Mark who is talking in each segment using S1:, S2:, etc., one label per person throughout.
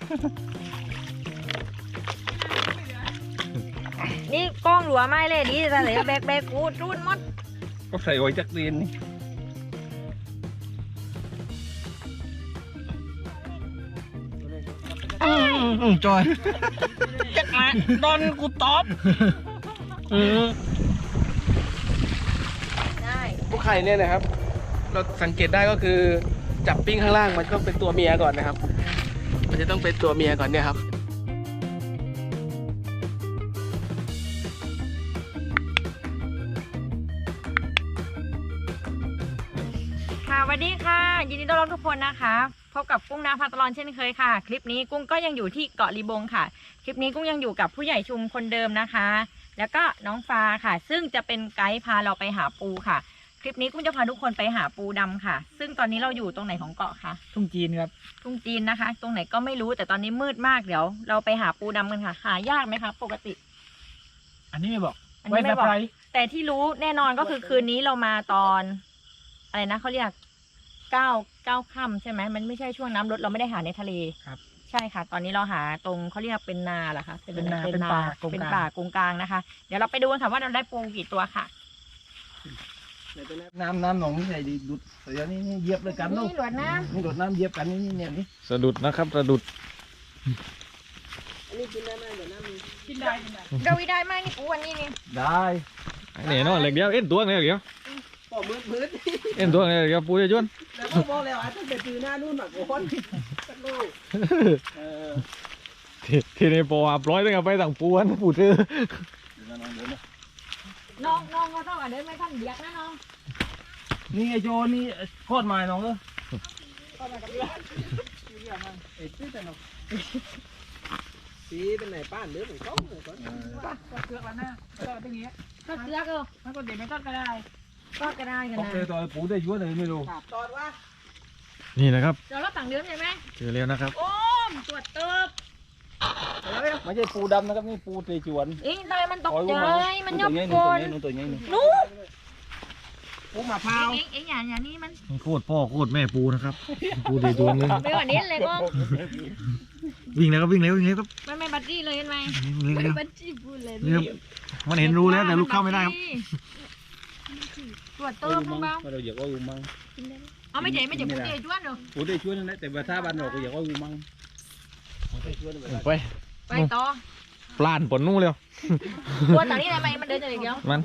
S1: นี่กล้องหลัวไม่เลยดีแต่เลยแบกกูรุ่นมด
S2: ก็ใส่ไว้จักเรียนนี่จอยจักมาดอนกูตอบ
S1: ได้
S2: พวกไข่เนี่ยนะครับเราสังเกตได้ก็คือจับปิ้งข้างล่างมันต้องเป็นตัวเมียก่อนนะครับมันจะต้องเป็นตัวเมียก่อนเนี่ยครับ
S1: ค่ะสวัสดีค่ะยินดีต้อนรับทุกคนนะคะพบกับกุ้งน้ำพาตลอนเช่นเคยค่ะคลิปนี้กุ้งก็ยังอยู่ที่เกาะลีบงค่ะคลิปนี้กุ้งยังอยู่กับผู้ใหญ่ชุมคนเดิมนะคะแล้วก็น้องฟ้าค่ะซึ่งจะเป็นไกด์พาเราไปหาปูค่ะคลิปนี้กุ้งจะพาทุกคนไปหาปูดำค่ะซึ่งตอนนี้เราอยู่ตรงไหนของเกาะคะ
S3: ทุ่งจีนครับ
S1: ทุ่งจีนนะคะตรงไหนก็ไม่รู้แต่ตอนนี้มืดมากเดี๋ยวเราไปหาปูดำกันค่ะหายากไหมคะปกติ
S3: อันนี้ไม่บอก
S1: อันนี้ไม่บอกแต่ที่รู้แน่นอนก็คือคืนนี้เรามาตอนอะไรนะเขาเรียก9 ค่ำใช่ไหมมันไม่ใช่ช่วงน้ำลดเราไม่ได้หาในทะเล
S3: ครับ
S1: ใช่ค่ะตอนนี้เราหาตรงเขาเรียกเป็นนาเหรอคะ
S3: เป็นป่าก
S1: งกลางนะคะเดี๋ยวเราไปดูกันค่ะว่าเราได้ปูกี่ตัวค่ะ
S2: น้ำหนองนี่ใหญ่ดีดุดเดี๋ยวนี้เหยียบเลยกันลูก
S1: นี่หลวดน้ำ
S2: นี่หลวดน้ำเหยียบกันนี่เนี่ยนี่
S4: สะดุดนะครับสะดุด
S2: อันนี้กินได้ไหมเดี๋ยวน้ำ
S3: กินได้
S1: เราได้ไหมนี่ปูวันนี้นี่
S2: ได้
S4: เนี่ยเนาะเหล็กเดียวเอ็นตัวเนี่ยเดียว
S2: ปอกมืด
S4: เอ็นตัวเนี่ยเดียวปูจะจวน
S2: แล้วก็บอกแล้วต้องไปซื้อหน้านู่นหน่อยโอนสักลูก
S4: ทีนี้พออับร้อยตั้งแต่ไปสั่งปูนปูซื้อ
S1: น้องก็ต้องเดินไม่ทันเดียกนะน้อง
S2: นี่ไอโจนี่โคตรมาน้องเลยสีเป็นไหนป้านเดือเหมือนก้องเลยก่อน
S3: เกลือกแล้วนะก็ตรงนี้
S1: ก็เกลือก
S3: มันก็เดี๋ยวไม่ต้องก็ได้
S1: ก็ได้กันนะ
S2: เจอตัวปูได้ยั่วเลยไม่รู้ตอนว่า
S4: นี่นะครับ
S1: เดี๋ยวเราต่างเดือนใช่ไหม
S4: เจอแล้วนะครับ
S1: โอ้มตรวจเติบ
S2: ไม่ใช่ปูดำนะครับนี่ปูเตจวน
S1: อิงทำไมมันตกใจมันยบกน
S2: ตัวนี้
S1: นู้
S2: ปูมะพร้าว
S1: เอ็งอย่างนี้มัน
S4: โคตรพ่อโคตรแม่ปูนะครับปูเตจวนเลย
S1: ไปกว่านี้เลยก็
S4: วิ่งแล้วก็วิ่งแล้วครับ
S1: มันไม่บัตรจี้เลยเห็นไหม
S4: ไม่
S1: บัตรจี้พูดเลย
S4: มันเห็นรู้แล้วแต่ลูกเข้าไม่ได้ครับ
S1: ตรวจเติมบ้าง
S2: เราอยากว่าอูมัง
S1: เอาไม่ใช่ปูเตจวนหรอ
S2: ปูเตจวนนั่นแหละแต่ว่าถ้าบ้านเราก็อยากว่าอูมัง
S4: ไป
S1: ต่อ
S4: ปลานปนนู่นเร็ว
S1: ตัวต่างนี่อะไรมันเดินอย่างเดียว
S4: มัน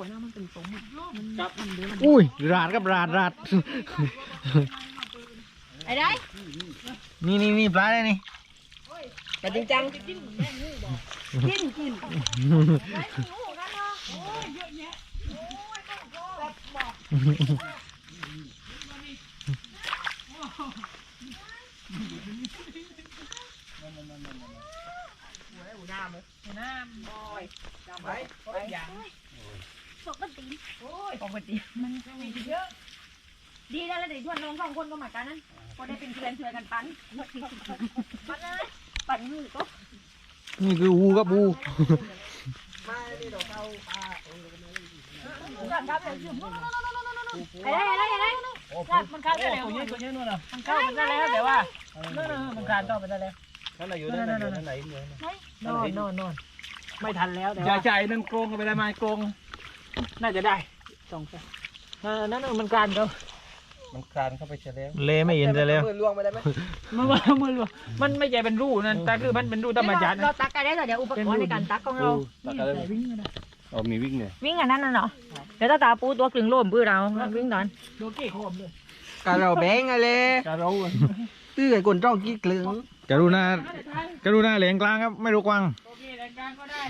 S4: อุ้ยราดครับราด
S1: ไอ้ได้
S4: นี่ปลาได้นี่
S1: แต่จริงจังกินน้ำบอยไปอย่างปกติมันมีเยอะดีแล้วเดี๋ยวชวนน้อง2 คนก็มากันนั้นก็ได้เป็นเพื่อนช่วยกันปั่นมือก็
S4: นี่คือวูครับวู
S2: มาดิดอกเอาปลา
S1: อะไร
S3: มันขาดได้แล้วตัวนี้นู่นน่ะมันเข้าไปได้แล้วแต่ว่ามันขาดเข้าไปได้แล้ว
S2: นั่นไหนอยู่นั่นไหน
S3: นอนไม่ทันแล้วแต่
S2: ว่าใจนั่นโกงกันไปได้ไหมโกง
S3: น่าจะได้นั่นมันการเขา
S2: มันคลานเข้าไปเฉลี่ย
S4: เล่ไม่เห็นเลย
S2: มือล่วงไปได้ไหม
S3: มือมันไม่ใช่เป็นรูนั่นแต่คือมันเป็นรูธรรมชาติ
S1: เราตักกันได้แต่เดี๋ยวอุปกรณ์ในการตักของเรา
S2: วิ่งมีวิ่งเลย
S1: วิ่งอันนั้นน่ะเนาะเดี๋ยวตาปูตัวกลึงโล่มปื้อเราวิ่งตอน
S3: โดนเกี่ยโคมเลย
S2: การเราแบงอะไรการเราตื้อไอ้คนจ้องกี้กลึง
S4: กรุณาเหลียงกลางครับไม่รู้กวาง
S3: โอเคเหลียงกลางก็ได้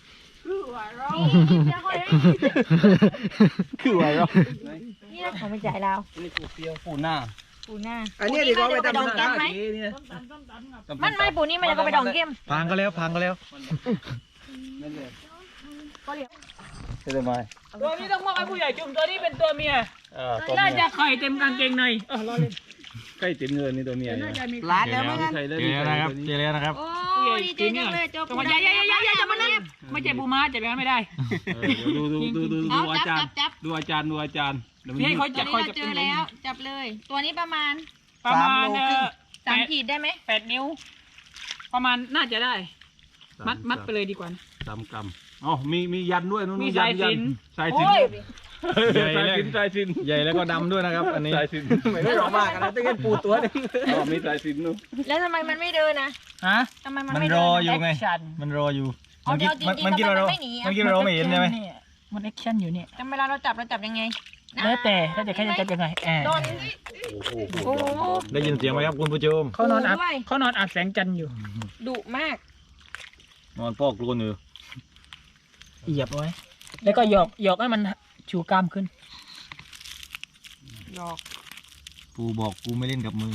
S2: คือว่าเรา
S1: นี่เขาไม่จ่ายเรา
S2: นี่ปูเปียวปูหน้า
S1: อันนี้ดีกว่าไปดองเกมไหมมันไม่ปูนี่มันจะก็ไปดองเกม
S4: พังก็แล้ว
S2: นั่นเลย
S1: ก็เลี้ยง
S2: ใช่ไหม
S3: ตัวนี้ต้องมอบให้ผู้ใหญ่จุ่มตัวนี้เป็นตัวเมียน่าจะไข่เต็มกางเกงในรอเล่น
S2: ใกล้เต็มเงินนี่ตัวเมีย
S4: ร้านแล้วมั้งเจอแล้วนะครับ
S1: โอ้ยเจ๊จังเลยเจ้าปู
S3: อย่าจะมานั่นไม่ใช่บูมาจะไปไม่ได้
S2: ดูอาจารย์
S1: นี่เขาจะเจอแล้วจับเลยตัวนี้ประมาณ
S3: 3
S1: ขีดได้ไหม
S3: 8 นิ้วประมาณน่าจะได้ มัดไปเลยดีกว่านะ
S5: 3 กรัมอ๋อมียันด้วยนู้น
S3: มีสายสิญ
S5: สายสิญ
S3: โอ้ย
S4: ใหญ่
S5: สาย
S4: แรก
S5: สิญสายสิญ
S4: ใหญ่แล้วก็ดำด้วยนะครับ อันนี้
S5: สายสิญ
S2: ไม่ร้องมากนะต้องเล่นปูตัวนึง
S5: อ๋อมีสายสิญนู้น
S1: แล้วทำไมมันไม่เดินนะ
S3: ฮะ
S1: ทำไมมัน
S4: มัน
S1: ไม่
S4: ร
S1: เดิ
S4: อน อยู่ไง
S3: Action
S4: มันรออยู่
S1: อ๋อ
S4: มันคิด
S1: เดี๋ยว
S4: ว่าเรา
S1: จริงๆทำไมมันไม่หนีอะ
S4: มันคิดว่าเราไม่เห็นใช่ไหม
S3: มันแอคชั่นอยู่เนี่ย
S1: แต่เวลาเราจับยังไงนะ
S3: แล้วแต่ถ้าจะแค่จะจับยังไงแอบ
S1: โดนโอ้โห
S4: ได้ยินเสียงไหมครับคุณผู้ชม
S3: เขานอนอาบ
S1: ด้วย
S3: เขานอนอาบแสงจันทร์อยู่
S1: ดุมาก
S4: นอนปอกกลนอยู่
S3: เหยียบไว้ แล้วก็หยอกให้มันชูกล้ามขึ้น
S1: หยอก
S4: ปูบอกกูไม่เล่นกับมึง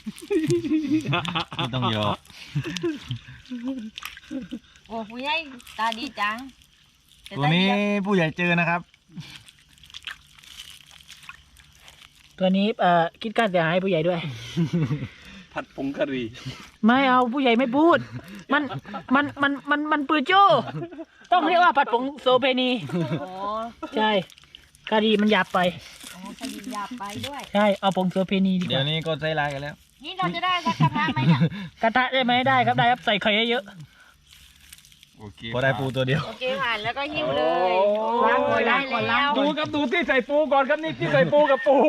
S4: ไม่ต้องหยอก
S1: โอ้ผู้ใหญ่ตาดีจังแต่
S4: ตัว
S1: ตา
S4: นี้
S1: ดีอะ
S4: ผู้ใหญ่เจอนะครับ
S3: ตัวนี้คิดค่าเสียหายให้ผู้ใหญ่ด้วย
S5: ผัดผงกะหรี่
S3: ไม่เอาผู้ใหญ่ไม่พูด มันปืนโจ้ ต้องเรียกว่าผัดผงโซเพนี
S1: อ๋อ
S3: ใช่กะหรี่มันหยาบไป
S1: อ๋อคดีหยาบไปด้วย
S3: ใช่เอาผงโซเพนีดีก
S4: เดี๋ยว
S3: ว่า
S4: นี้ก็ใจร้ายกันแล้ว
S1: นี่เราจะได้สักกระทะไหมเนี่ย
S3: กระทะได้ไหมได้ครับได้ครับใส่ไข่เยอะ
S5: โอเค
S4: พอได้ปูตัวเดียว
S1: โอเคผ่านแล้วก็หิ้วเลยล้างเลยได้แล้ว
S5: ดูครับดูที่ใส่ปูก่อนครับนี่ที่ใส่ปูกับปู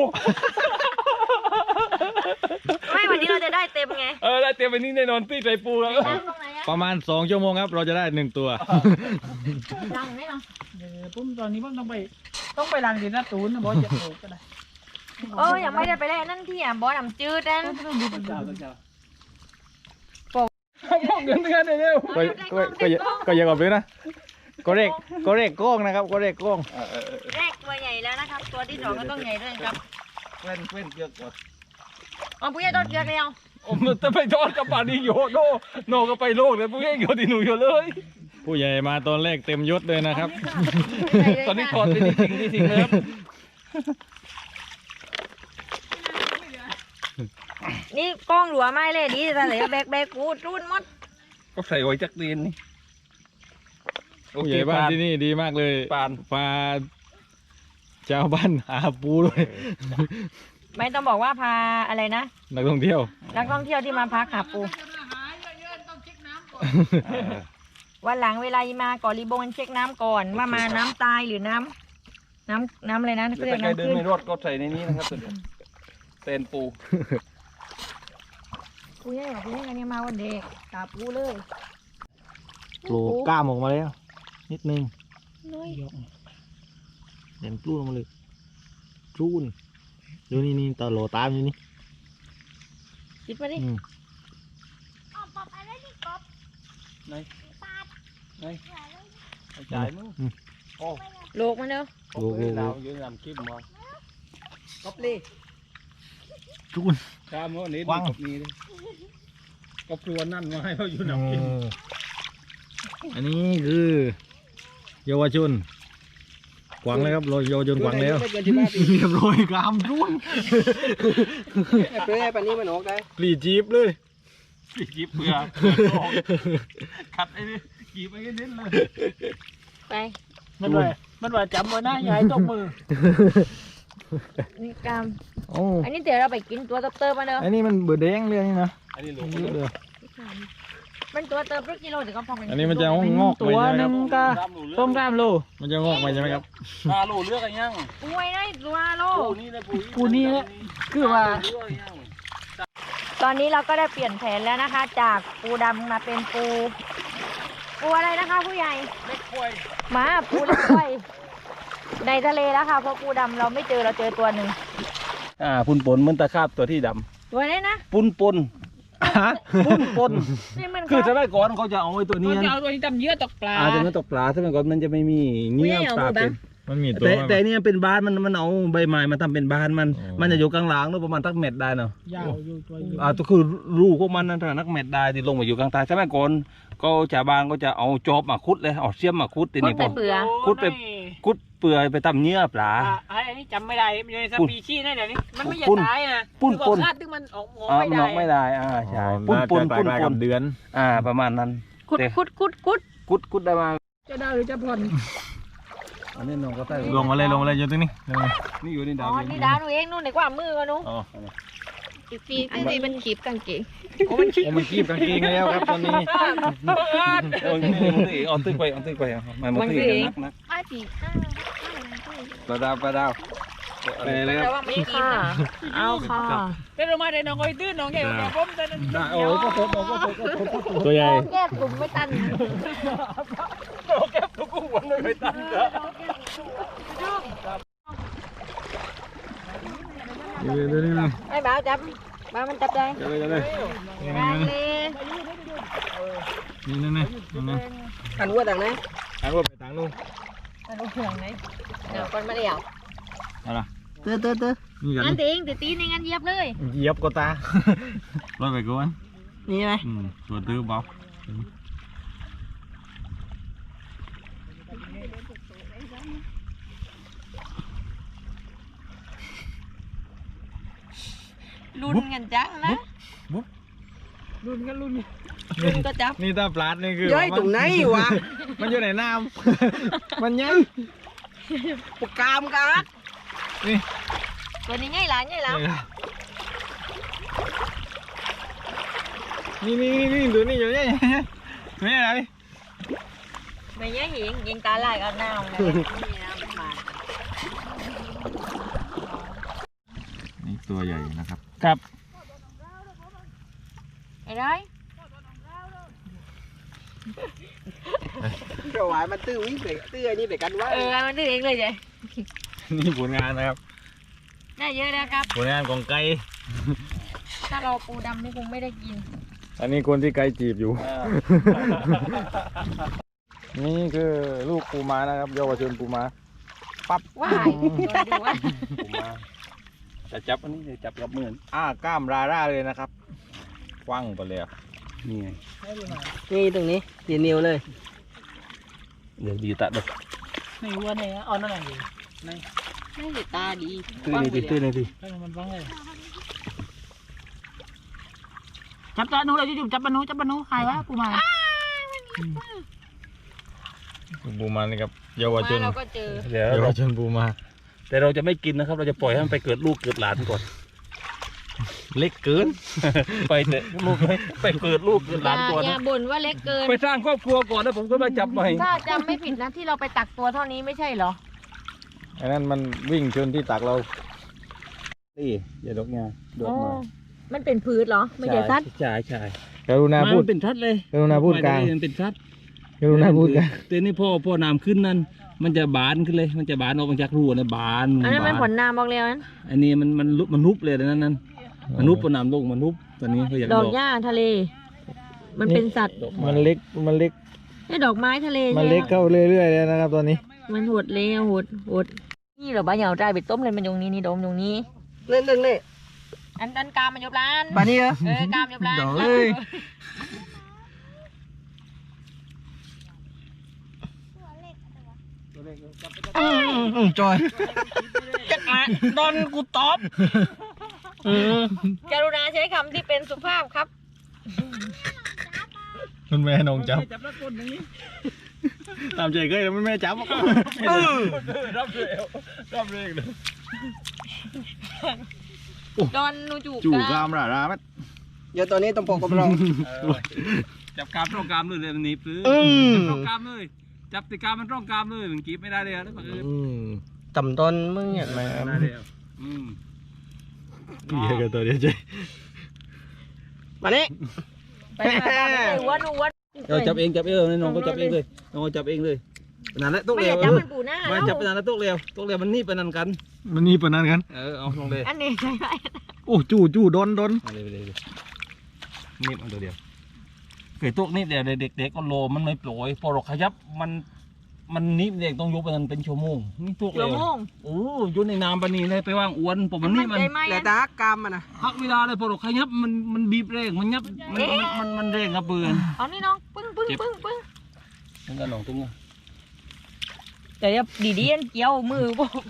S1: ไม่วันนี้เราจะได้เต็มไง
S5: ได้เตรียมไปนี่แน่นอนที่ใส่ปูครับ
S1: ล้างตรงไหนอะ
S4: ประมาณ2 ชั่วโมงครับ เราจะได้1 ตัว
S1: ล้างไหมเนาะ
S3: ปุ้มตอนนี้ผมต้องไปล้างดินนะตูนนะบอสจะโผล่ก็ได้
S1: ยังไม่ได้ไปแลกนั่นที่อ่ะบอสน้ำจืดนั่น
S5: พวกเดือนกันเร็ว
S4: ก็ยังกอบเลยนะ ก็เรกกล้องนะครับ ก็เรกกล้อง
S1: แรกตัวใหญ่แล้วนะครับ ตัวที่สองก็ต้องใหญ่ด้วยครับ
S5: เว้นเกือกก่อน
S1: อ๋อผู้ใหญ่ต้นเกลือเดียว
S5: มันจะไปทอดกับป่านนี้โยโนก็ไปโลกเลยพวกเองโยที่หนูอยู่เลย
S4: ผู้ใหญ่มาตอนแรกเต็มยศเลยนะครับ
S5: ตอนนี้ถอดไปที่สิ่งเลยครับ
S1: นี่กล้องหลัวไม่เลยดีแต่เหลือแบกกูรุ่นมด
S5: ก็ใส่ไว้จักเรียนนี่
S4: ผู้ใหญ่บ้านที่นี่ดีมากเลย
S5: ปาน
S4: พาชาวบ้านหาปูด้วย
S1: ไม่ต้องบอกว่าพาอะไรนะ
S4: นักท่องเที่ยว
S1: นักท่องเที่ยวที่มาพักหาปู วันหลังเวลามาเกาะลีบงเช็คน้ำก่อนว่ามาน้ำตายหรือน้ำอะไรนะ
S5: ถ้า
S1: เรียก
S5: ใคร
S1: น้ำ
S5: เดิน
S1: ขึ้น
S5: ไม่รอดก็ใส่ในนี้นะครับเต้นปู
S1: ปูใหญ่กว่าปูใหญ่กันเนี่ยมาวันเด็กตาปูเลย
S4: โผล่กล้ามออกมาแล้ว นิดนึง
S1: น้อย
S4: เด่นปลุ้นออกมาเลยจูนดูนี่ตาโหลตามอยู่นี่
S1: คิดมาดิ
S4: อืม
S5: จ่ายมั้ง
S1: โลกมันเด้อ
S5: โอ้โหเราอยู่ในลำคลิปมา
S2: ก๊อปลี่
S4: จูน
S5: ข้ามเขานี้
S4: วาง
S5: กับนี้เลยก็ปลวนนั่นมาให้เขาอยู่ลำคลิป
S4: อันนี้คือเยาวชนกวางเลยครับเราเยาวชนกวางแล้ว
S2: ไม่เกิน15 ปี
S4: เรียบร้อยกรามจูน
S2: เพื่อให้ปันนี้มันออกได้
S4: ปลีจีบเลย
S5: จีบเปลือกขัดไอ้นี่จีบไอ้นี่เลย
S1: ไป
S3: มันว่าจำไว้นะอย่าให้ตกมือ
S1: นี่กาม
S4: โอ้
S1: อันนี้เดี๋ยวเราไปกินตัวเติบๆมาเด้อ
S4: อันนี้มันเบื่อแดงเลยนี่นะ
S5: อันนี้หลง
S4: เยอะเลย
S1: มันตัวเติบรถกิโลถึงก็พอ
S4: อันนี้มันจะงอกไป
S3: ตัว
S4: ใช่ไหม
S3: ห
S4: ค
S3: นึ่
S4: รับ
S3: งก็ต้มกล้ามโล
S4: มันจะงอกไปใช่ไหมครับ
S5: ตาลูเลือกอะไรยัง
S1: ปูไว้ได้ตัวโล
S5: ปูนี่นะปู
S3: ปูนี่แหละคือว่า
S5: เลือกอะไรยัง
S1: ตอนนี้เราก็ได้เปลี่ยนแผนแล้วนะคะ จากปูดำมาเป็นปูอะไรนะคะ ผู้ใหญ่
S5: เล็กควาย
S1: หมาปูเล็กไว้ในทะเลแล้วค่ะเพราะปูดำเราไม่เจอเราเจอตัวหนึ่ง
S5: ปุนปนเหมือนตะขาบตัวที่ด
S1: ตัวนี้นะ
S5: ำปุนปนปุนปน
S1: นี่มัน
S5: คือสมัยก่อนเขาจะเอาไว้ตัวนี้
S3: มันจะเอาตัวนี้ทำเยื่อตกปลา
S5: จะไม่ตกปลาสมัยก่อนมันจะไม่มีเนื้อปลาเป็น
S4: มันมีตัว
S5: แต่เนี่ยเป็นบ้านมันเอาใบไม้มาทำเป็นบ้านมัน
S4: อ๋อ
S5: มันจะอยู่กลางหลังเนอะประมาณสักเม็ดได้เนาะ
S3: ยาวอยู่ตัวอยู่
S5: ก็คือรูพวกมันนั่นนักเม็ดได้ที่ลงมาอยู่กลางใต้สมัยก่อนก็ชาวบ้านก็จะเอาจอบมาคุดเลยเอาเสียมมาคุดที
S1: พ่น
S5: นี้
S1: ไป
S5: พอ
S1: เปลือก
S5: คุดไป คุดเปลือยไปตำเนื้อปลา
S3: อันนี้จำไม่ได้มันอยู่ในสปีชีส์นะเดี๋ยวนี้มันไม่อยา
S5: ปุ้
S3: ก
S5: น
S3: ตายนะ
S5: ปุ้น
S3: คือบอกคาดที่มันออกหัว
S5: มันออกไม่ได้ใช่ปุ้นปน
S4: น่าจะ
S5: ปุ้น
S4: คล้าย
S5: ป
S4: ๆกัน บเดือน
S5: ประมาณนั้น
S1: คุด
S5: แต่
S1: คุด
S5: คุดได้มา
S3: จะได้หรือจะผ่อน
S5: อันนี้น้องก็ใต้
S4: ลงมาเลยอยู่ตรงนี้ลงมา
S5: นี่อยู่ใน
S1: อ๋
S5: ดา
S1: อ
S5: ว
S1: นี่ดาหนูเองนู่นไหนกว่ามือกันหนู
S4: อ๋อ
S1: พี่ตีมันขีบกางเกง
S4: โอ้มันคีบกางเกงแล้วครับตอนนี้
S5: โอ้ยมันตึกออนตึกไปมันตึกนัก
S1: ป้าตีข้าว
S5: ปลาดาวไปเลยค
S1: แต่
S5: รับ
S1: ว่าไม่ได้กินนะ
S3: เอาค่ะเป็นลงมาได้น้องอ้อยตื้นน้องแก่กับผมแต่นั้น
S5: ได้โอ้ก็พบ
S4: ตัวใหญ่
S1: แก้กลุ่มไม่ตัน
S5: แก้วทุกวันเลยตั้ง
S4: เดี๋ยวนี่นะ
S1: ไอ้บ้าจับบ้ามันจับได้
S4: เดี๋ยวเลย
S1: ได้เลย
S4: นี่นั่นนี่นั่น
S2: อันว่าดังไหน
S4: อันว่าไปทางนู้น
S1: มันห่วงไหมเดี๋ยวคนมาเดี่ยว
S4: อะไร
S2: เตื้อ
S4: นี่กัน
S1: งั้นตีงตีในงานเย็บเลย
S4: เหยียบก็ตาร้อยไปก่อน
S2: นี่ไหม
S4: ตัวตื้อเบา
S1: ลุ้นกันจังนะลุ้นก็จับ
S4: นี่ตาปลาดนี่คือ
S2: ย้อยตรงไหนวะ
S4: มันอยู่ในน้ำมันยัง
S2: ปกกามกัน
S4: นี่
S1: ตัวนี้ง่ายหลานง่ายหลาน
S4: นี่ดูนี่อยู่นี่นี่อะไร
S1: ไม่ง่ายหิงยิงตาลายกันหน้าเลยนี่นะมา
S4: นี่ตัวใหญ่นะครับ
S5: ครับ
S1: ไอ้ได้
S2: เดี๋ยวหวายมันตื้อวิ่งไปตื้อนี่ไปกันว่า
S1: มันดื้อเองเลยจ้ะ
S4: นี่ผลงานนะครับ
S1: ได้เยอะแล้วครับ
S4: ผลงานของไก่
S1: ถ้าเราปูดำนี่คงไม่ได้กิน
S4: อันนี้คนที่ไก่จีบอยู่ นี่คือลูกปูม้านะครับเยาวชนปูม้าปั๊บ
S1: ว้ายดูว่า
S5: จะจับอันนี้จะจับกับมือก
S4: ล้ามราเลยนะครับคว้างไปเลย
S5: นี่ไง
S2: นี่ตรงนี้ตีนิ้วเลย
S5: เดี๋ยวดีตัดเลย
S3: ในวัวเนี่ยเอานั่นไหนดี
S1: ไม่ติดตาดี
S5: ตื้อนี่ดิ
S3: ให้มันฟังเลยจับตาหนูเลยจุ๊บจับปานูใครวะปูมา
S4: ปูม้านี่ครับเยาวชน
S1: เราก็เจอ
S5: เดี๋ยว
S4: เยาวชนปูม้า
S5: แต่เราจะไม่กินนะครับ เราจะปล่อยให้มันไปเกิดลูกเกิดหลานก่อน
S4: เล็กเกิน
S5: ไปเตะลูกไปเกิดลูกเกิดหลานก่อน
S1: อย่าบ่นว่าเล็กเกิน
S5: ไปสร้างครอบครัวก่อนแล้วผมก็มาจับใหม่
S1: ถ้าจำไม่ผิดนะที่เราไปตักตัวเท่านี้ไม่ใช่เหรอ
S4: อันนั้นมันวิ่งชนที่ตักเรา
S5: นี่อย่าดกงาดกมา
S1: มันเป็นพืชเหรอ ไม่ใช่สัตว์
S5: ใช่ใช่
S4: กรุณาพูด
S5: มันเป็นทัดเลย
S4: กรุณาพูดกลาง
S5: มันเป็นทัด
S4: กรุณาพูดกลาง
S5: แต่นี่พ่อน้ำขึ้นนั่นมันจะบานขึ้นเลย มันจะบานออกมาจากรูนะบาน
S1: อันนั้นมันผ
S5: บา
S1: ลนามบอกแล้วนั้น
S5: อันนี้มันนุบเลยนั่นมันนุบพอน้ำลงมันนุบตอนนี้เขาอยาก
S1: ดอกหญ้าทะเล มันเป็นสัตว์
S4: มันเล็ก
S1: นี่ดอกไม้ทะเล
S4: มันเล็กเข้าเรื่อยๆแล้วนะครับตอนนี้
S1: มันหดเลยหดนี่เหรอบ้าเหยาใจไปต้มเลยมันตรงนี้นี่ดมตรงนี้
S2: เล่นนี่
S1: อันกามมันยบร้าน
S2: ปานี้เหรอก
S1: ามยบร้าน
S2: เดี๋ยวเอ้ยจอย
S3: ตอนกูตอบ
S1: กรุณาใช้คำที่เป็นสุภาพครับ
S4: มันแม่นงจับ
S3: จับแล้วคนนี้
S4: ตามใจเคยแล้วมันแม่จับ
S5: รับเลย
S1: ดอนนูจู
S4: จู่
S1: ก
S4: กล้ามราไหม
S2: เดี๋ยวตอนนี้ต้องปกกับเรา
S5: จับกามตรงกามเลยมันหนีปื้อตรงกามเลยจับติกามมันตรงกามเลยมันกีบไม่ได้เลยนะบังเอิญ
S2: ต่ำต้นมึงเนี่ยมา
S5: ได้เลย
S4: เหี้ยกันตัวเดียวใจ
S2: มานี่
S1: ไปวัด
S5: เราจับเองน้องก็จับเองเลยน้องก็จับเองเลยนั่นแหละตุ๊ก
S1: ไม่
S5: เร็
S1: อ
S5: ว
S1: ย่าจับมันปูหน้า
S5: มาจับไปนั่นแหละตุ๊กเร็วมันนี่ไปนั่นกัน
S4: มันนี่ปนนั้นกัน
S5: เอาลงเลย
S1: อันนี้ใช่ไหม
S4: โอ้จู่โดน
S5: มาเลยนิบเอาตัวเดียวเคยตุ๊กนิบเดียวเด็กก็โลมันไม่ปล่อยพอเราขยับมันนิบเด็กต้องยกไปนั่นเป็นชั่วโมงนี่ตุ๊ก
S1: ชั่
S5: เร็
S1: ว
S5: ว
S1: โมง
S5: โอ้ยุ่นในน้ำปนีเลยไปว่างอวนผมมันนี่มัน
S1: ใจไหม
S2: แต่ตากามมันนะ
S5: พักเวลาเลยพอเราขยับมันบีบแรงมันยับมันแรงครับเปืน
S1: เอานี่น้องปึ้ง
S5: นั่นก็หนองตุ้งอ่ะ
S1: แต่อย่าดีๆเกี่ยวมือโบก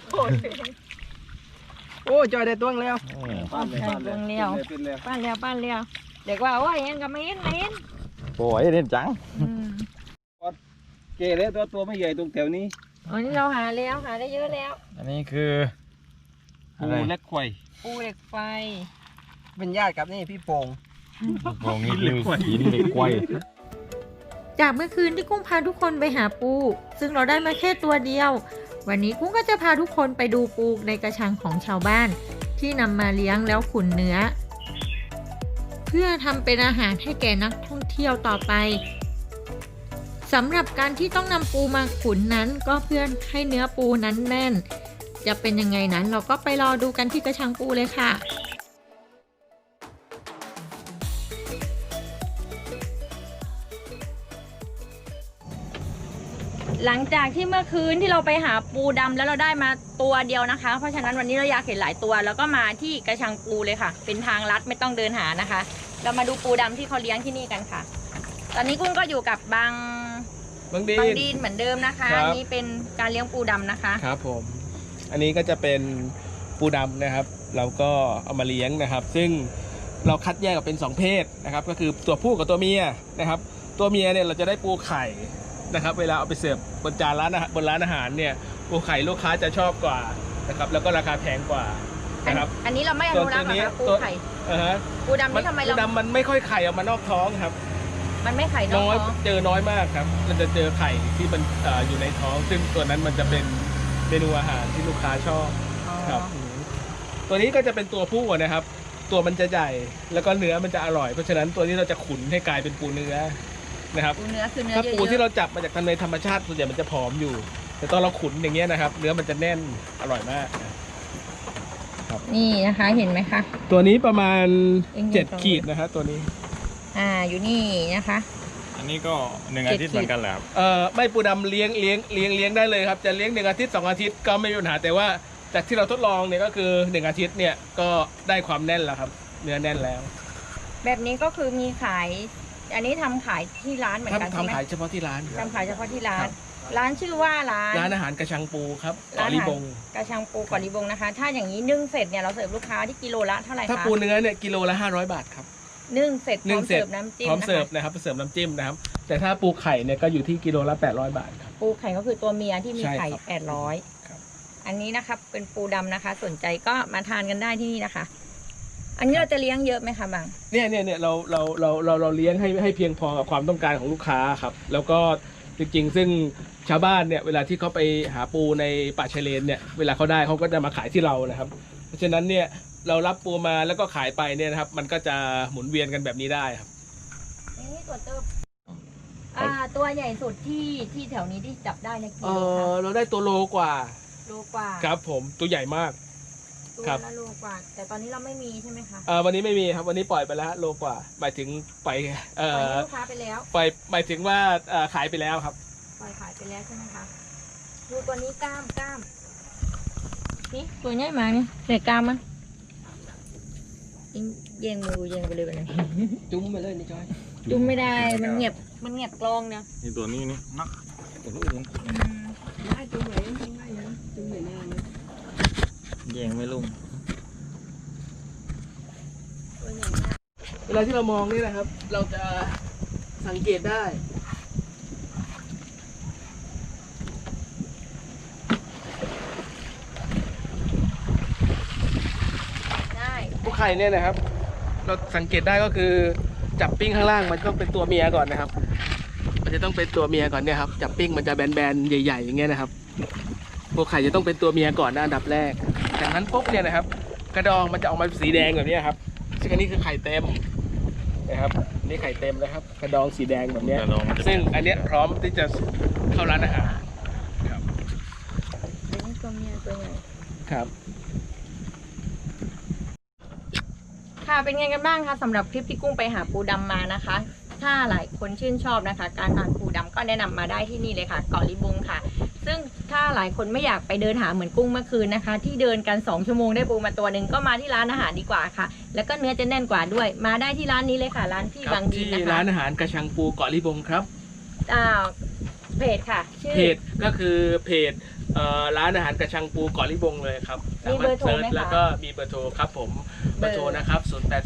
S2: โอ้จอยได้ตัวแล้ว
S1: ป้านแล้วป้านแล้วเด็กว่าโอ้ยเห็นก็ไม่เห็น
S4: โอ้ยเล่นจัง
S5: เกเลยตัวไม่ใหญ่ตรงแถวนี้
S1: อันนี้เราหาได้เยอะแล้ว
S4: อันนี้คือ
S5: ปูเล็กไข่
S1: ปูเหล็กไฟ
S6: เป็นญาติกับนี่พี่โป่ง
S4: มองนี่เลยหินเหล็กไกว
S1: จากเมื่อคืนที่กุ้งพาทุกคนไปหาปู ซึ่งเราได้มาแค่ตัวเดียว วันนี้กุ้งก็จะพาทุกคนไปดูปูในกระชังของชาวบ้าน ที่นำมาเลี้ยงแล้วขุนเนื้อ เพื่อทำเป็นอาหารให้แก่นักท่องเที่ยวต่อไปสำหรับการที่ต้องนำปูมาขุนนั้นก็เพื่อให้เนื้อปูนั้นแน่น จะเป็นยังไงนั้นเราก็ไปรอดูกันที่กระชังปูเลยค่ะ หลังจากที่เมื่อคืนที่เราไปหาปูดำแล้วเราได้มาตัวเดียวนะคะ เพราะฉะนั้นวันนี้เราอยากเห็นหลายตัวแล้วก็มาที่กระชังปูเลยค่ะ เป็นทางลัดไม่ต้องเดินหานะคะ เรามาดูปูดำที่เขาเลี้ยงที่นี่กันค่ะ ตอนนี้กุ้งก็อยู่กับบางดีนเหมือนเดิมนะคะ
S2: ครับ
S1: อันนี้เป็นการเลี้ยงปูดำนะคะ
S2: ครับผม อันนี้ก็จะเป็นปูดำนะครับ เราก็เอามาเลี้ยงนะครับ ซึ่งเราคัดแยกออกเป็น2เพศนะครับ ก็คือตัวผู้กับตัวเมียนะครับ ตัวเมียเนี่ยเราจะได้ปูไข่นะครับ เวลาเอาไปเสิร์ฟบนจานร้านอาหารบนร้านอาหารเนี่ยปูไข่ลูกค้าจะชอบกว่านะครับ แล้วก็ราคาแพงกว่านะครับ
S1: อันนี้เราไม่อนุรักษ์หรอกค่ะปูไข่ ปูดำนี่ทำไม
S2: ปู
S1: เรา
S2: ดำมันไม่ค่อยไข่ออกมานอกท้องครับ
S1: มันไม่ไข่นอก
S2: น้อย
S1: ท้อง
S2: เจอน้อยมากครับเราจะเจอไข่ที่มันอยู่ในท้อง ซึ่งตัวนั้นมันจะเป็นเมนูอาหารที่ลูกค้าชอบครับตัวนี้ก็จะเป็นตัวผู้นะครับ ตัวมันจะใหญ่แล้วก็เนื้อมันจะอร่อยเพราะฉะนั้นตัวนี้เราจะขุนให้กลายเป็นปูเนื้อนะครับ
S1: ปูเนื้อคือเนื้อ
S2: ถ้า
S1: เยอะ
S2: ปูที่เราจับมาจากทางในธรรมชาติส่วนใหญ่มันจะผอมอยู่ แต่ตอนเราขุนอย่างเงี้ยนะครับ เนื้อมันจะแน่นอร่อยมากนะครับ
S1: นี่นะคะเห็นไหมคะ
S2: ตัวนี้ประมาณ
S1: เอ็งเห็น
S2: 7 ขีดนะครับตัวนี้
S1: อยู่นี่นะคะ
S4: อันนี้ก็1 อาทิตย์เหมือนกันแหละครับ
S2: ไม่ปูดำเลี้ยงได้เลยครับจะเลี้ยง1 อาทิตย์ 2 อาทิตย์ก็ไม่มีปัญหาแต่ว่าจากที่เราทดลองเนี่ยก็คือ1 อาทิตย์เนี่ยก็ได้ความแน่นแล้วครับเนื้อแน่นแล้ว
S1: แบบนี้ก็คือมีขาย อันนี้ทำขายที่ร้านเหมือนกันใช่ไหม
S2: ทำขายเฉพาะที่ร้าน
S1: ทำขายเฉพาะที่ร้า
S2: ครั
S1: น
S2: บ
S1: ร้านชื่อว่าร้าน
S2: ร้านอาหารกระชังปูครับ
S1: ร้า
S2: เกาะ
S1: นอาหาร
S2: ลีบง
S1: กระชังปูเกาะลีบงนะคะ ถ้าอย่างนี้นึ่งเสร็จเนี่ยเราเสิร์ฟลูกค้าที่กิโลละเท่าไหร่คะ
S2: ถ้าปูเนื้อเนี่ยกิโลละ500 บาทครับ
S1: นึ่งเสร็จพร้อมเสิร์ฟน้ำจิ้ม
S2: พร้อม
S1: นะ
S2: เสิร์ฟ
S1: คะ
S2: นะครับเสิร์ฟน้ำจิ้มนะครับแต่ถ้าปูไข่เนี่ยก็อยู่ที่กิโลละ800 บาทครับ
S1: ปูไข่ก็คือตัวเมียที่มี
S2: ใช่
S1: ไข่
S2: ครับ
S1: 800
S2: ครับ
S1: อันนี้นะคะเป็นปูดำนะคะ สนใจก็มาทานกันได้ที่นี่นะคะ อันนี้เราจะเลี้ยงเยอะไหมคะบาง
S2: เนี่ยเราเลี้ยงให้เพียงพอกับความต้องการของลูกค้าครับแล้วก็จริงๆซึ่งชาวบ้านเนี่ยเวลาที่เขาไปหาปูในป่าชายเลนเนี่ยเวลาเขาได้เขาก็จะมาขายที่เรานะครับ เพราะฉะนั้นเนี่ยเรารับปูมาแล้วก็ขายไปเนี่ยนะครับมันก็จะหมุนเวียนกันแบบนี้ได้ครับ
S1: นี่ตัวเติบตัวใหญ่สุดที่แถวนี้ที่จับได้เนี่ยกิโลคะ
S2: เราได้ตัวโลกว่า
S1: โลกว่า
S2: ครับผมตัวใหญ่มาก
S1: ตัว
S2: ครับ
S1: ละโลกว่า แต่ตอนนี้เราไม่มีใช่ไหมคะ
S2: วันนี้ไม่มีครับวันนี้ปล่อยไปแล้วโลกว่าหมายถึงปล่อย
S1: ปล่อยให้ลูกค้าไปแล้ว
S2: ปล่อยหมายถึงว่าขายไปแล้วครับ
S1: ปล่อยขายไปแล้วใช่ไหมคะดูตัวนี้กล้ามนี่ตัวใหญ่มากนี่เด็กกล้ามมันเย็งมือเย็งไปเลยแบบนี้
S2: จุ้มไปเลยนี่จอย
S1: จุ่มไม่ได้มันเงียบกลองเนี่ย
S4: นี่ตัวนี้นี่นักตัวลูกยังแยงไม่ลุ่ม
S1: ตัวใหญ่มาก
S2: เวลาที่เรามองนี่นะครับ เราจะสังเกตได้
S1: ได้
S2: ปูไข่เนี่ยนะครับ เราสังเกตได้ก็คือจับปิ้งข้างล่างมันต้องเป็นตัวเมียก่อนนะครับ มันจะต้องเป็นตัวเมียก่อนเนี่ยครับจับปิ้งมันจะแบนๆใหญ่ๆอย่างเงี้ยนะครับปูไข่จะต้องเป็นตัวเมียก่อนนะอันดับแรกจากนั้นปุ๊บเนี่ยนะครับ กระดองมันจะออกมาสีแดงแบบนี้ครับซึ่งอันนี้คือไข่เต็มนะครับนี่ไข่เต็มนะครับ กระดองสีแดงแบบเนี้ย
S4: กระดองมันจะ
S2: ซึ่งอันเนี้ยพร้อมที่จะเข้าร้านอาหารครับ
S1: อันนี้ตัวเมียตัวใหญ่
S2: ครับ
S1: ค่ะเป็นไงกันบ้างคะสำหรับคลิปที่กุ้งไปหาปูดำมานะคะ ถ้าหลายคนชื่นชอบนะคะ การทานปูดำก็แนะนำมาได้ที่นี่เลยค่ะเกาะลิบงค่ะ ซึ่งถ้าหลายคนไม่อยากไปเดินหาเหมือนกุ้งเมื่อคืนนะคะ ที่เดินกัน2 ชั่วโมงได้ปูมาตัวหนึ่งก็มาที่ร้านอาหารดีกว่าค่ะ แล้วก็เนื้อจะแน่นกว่าด้วย มาได้ที่ร้านนี้เลยค่ะ ร้านที่
S2: ครับ
S1: บางดี
S2: ที่
S1: นะคะ
S2: ร้านอาหารกระชังปูเกาะลิบงครับ
S1: เพจค่ะชื่อ
S2: เพจก็คือเพจร้านอาหารกระชังปูเกาะลิบงเลยครับ
S1: มีเบอร์โทรไหมคะ
S2: แล้วก็มีเบอร์โทรครับผมเบอร์โทรนะครับ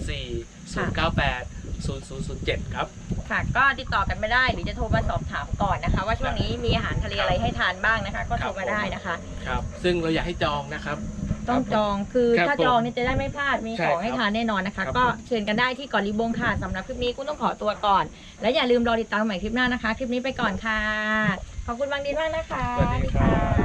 S2: 0840980007ครับ
S1: ค่ะ ก็ติดต่อกันไม่ได้หรือจะโทรมาสอบถามก่อนนะคะ ว่าช่วงนี้มีอาหารทะเลอะไรให้ทานบ้างนะคะ ก็โทรมาได้นะคะ
S2: ครับซึ่งเราอยากให้จองนะครับ
S1: ต้องจองคือ
S2: ครับ
S1: ถ้าจองเนี่ยจะได้ไม่พลาดมี
S2: ใช่
S1: ของให้
S2: ครับ
S1: ทานแน่นอนนะคะ
S2: ครับ
S1: ก็เชิญกันได้ที่เกาะลีบงค่ะสำหรับคลิปนี้กุ้งต้องขอตัวก่อน และอย่าลืมรอติดตามใหม่คลิปหน้านะคะ คลิปนี้ไปก่อนค่ะ ขอบคุณบางดีมากนะคะ
S2: สวัสดีครับ